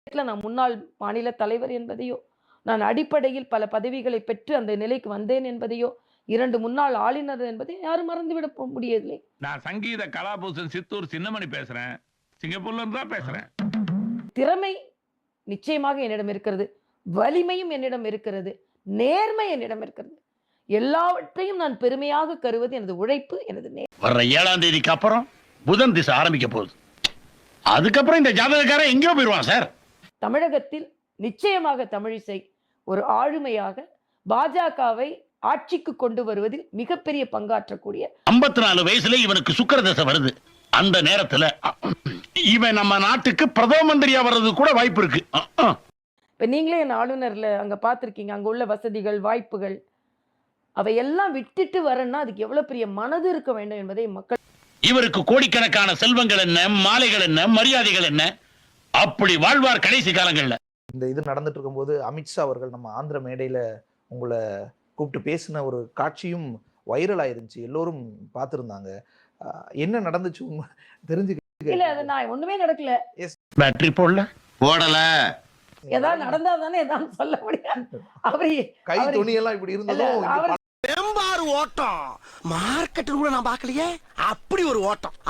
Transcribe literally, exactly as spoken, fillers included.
நான் முன்னாள் மாநில தலைவர் என்பதையோ, நான் அடிப்படையில் பல பதவிகளை பெற்று அந்த நிலைக்கு வந்தேன் என்பதையோ, இரண்டு முன்னாள் ஆளுநர் என்பதை யாரும் மறந்துவிட முடியவில்லை. நான் சங்கீத கலாபூஷன் சித்தூர் சின்னமணி பேசுறேன். சிங்கப்பூர்ல இருந்து தான் பேசுறேன். திறமை நிச்சயமாக என்னிடம் இருக்கிறது. வலிமையும் என்னிடம் இருக்கிறது. நேர்மை என்னிடம் இருக்கிறது. எல்லாவற்றையும் நான் பெருமையாக கருவது எனது உழைப்பு, எனது நேர்மை. வர்ற ஏழாம் தேதிக்கு அப்புறம் புதன் திசை ஆரம்பிக்க போகுது. அதுக்கப்புறம் இந்த ஜாதகக்காரன் எங்கேயோ போயிடுவான் சார். தமிழகத்தில் நிச்சயமாக தமிழிசை ஒரு ஆளுமையாக பாஜகவை ஆட்சிக்கு கொண்டு வருவதில் மிகப்பெரிய பங்காற்றக்கூடிய ஐம்பத்தி நாலு வயசுல இவனுக்கு சுக்கிர தசை வருது. அந்த நேரத்துல இவன் நம்ம நாட்டுக்கு பிரதம மந்திரியா வர்றது கூட வாய்ப்பு இருக்கு. இப்ப நீங்களே என் ஆளுநர்ல அங்க பாத்திருக்கீங்க, அங்க உள்ள வசதிகள், வாய்ப்புகள் அவையெல்லாம் விட்டுட்டு வரேன்னா அதுக்கு எவ்வளவு பெரிய மனது இருக்க வேண்டும் என்பதை மக்கள். இவருக்கு கோடிக்கணக்கான செல்வங்கள் என்ன, மாலைகள் என்ன, மரியாதைகள் என்ன, அப்படி வாழ்வார் கடைசி காலங்கள்ல. இந்த இது நடந்துட்டு இருக்கும்போது அமித்ஷா அவர்கள் நம்ம ஆந்திர மேடையில உங்களை கூப்பிட்டு பேசின ஒரு காட்சியும் வைரல் ஆயிருந்துச்சு. எல்லோரும் பார்த்திருந்தாங்க. என்ன நடந்துச்சு தெரிஞ்சுக்க? இல்ல, அது நான் ஒண்ணுமே நடக்கல. பேட்டரி போடல போடல ஏதாவது நடந்தா தானே ஏதாவது சொல்ல முடியாது. அவரு கை துணியெல்லாம் இப்படி இருந்ததும் ஓட்டம் மார்க்கெட் கூட நான் பார்க்கலையே, அப்படி ஒரு ஓட்டம்.